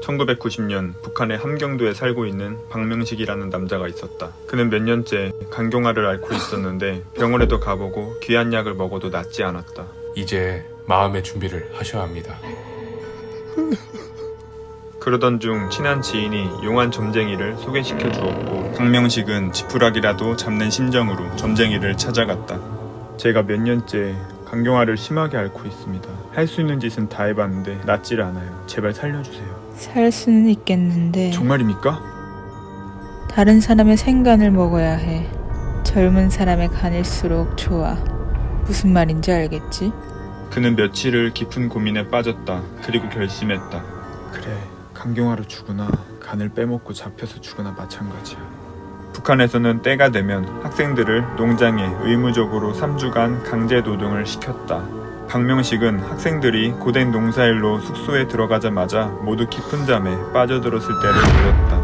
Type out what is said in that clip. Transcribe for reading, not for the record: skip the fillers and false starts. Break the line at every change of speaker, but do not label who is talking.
1990년 북한의 함경도에 살고 있는 박명식이라는 남자가 있었다. 그는 몇 년째 간경화를 앓고 있었는데 병원에도 가보고 귀한 약을 먹어도 낫지 않았다.
이제 마음의 준비를 하셔야 합니다.
그러던 중 친한 지인이 용한 점쟁이를 소개시켜 주었고 박명식은 지푸라기라도 잡는 심정으로 점쟁이를 찾아갔다. 제가 몇 년째 간경화를 심하게 앓고 있습니다. 할 수 있는 짓은 다 해봤는데 낫지를 않아요. 제발 살려주세요.
살 수는 있겠는데
정말입니까?
다른 사람의 생간을 먹어야 해. 젊은 사람의 간일수록 좋아. 무슨 말인지 알겠지?
그는 며칠을 깊은 고민에 빠졌다. 그리고 결심했다. 그래, 간경화로 죽으나 간을 빼먹고 잡혀서 죽으나 마찬가지야. 북한에서는 때가 되면 학생들을 농장에 의무적으로 3주간 강제 노동을 시켰다. 박명식은 학생들이 고된 농사일로 숙소에 들어가자마자 모두 깊은 잠에 빠져들었을 때를 보였다.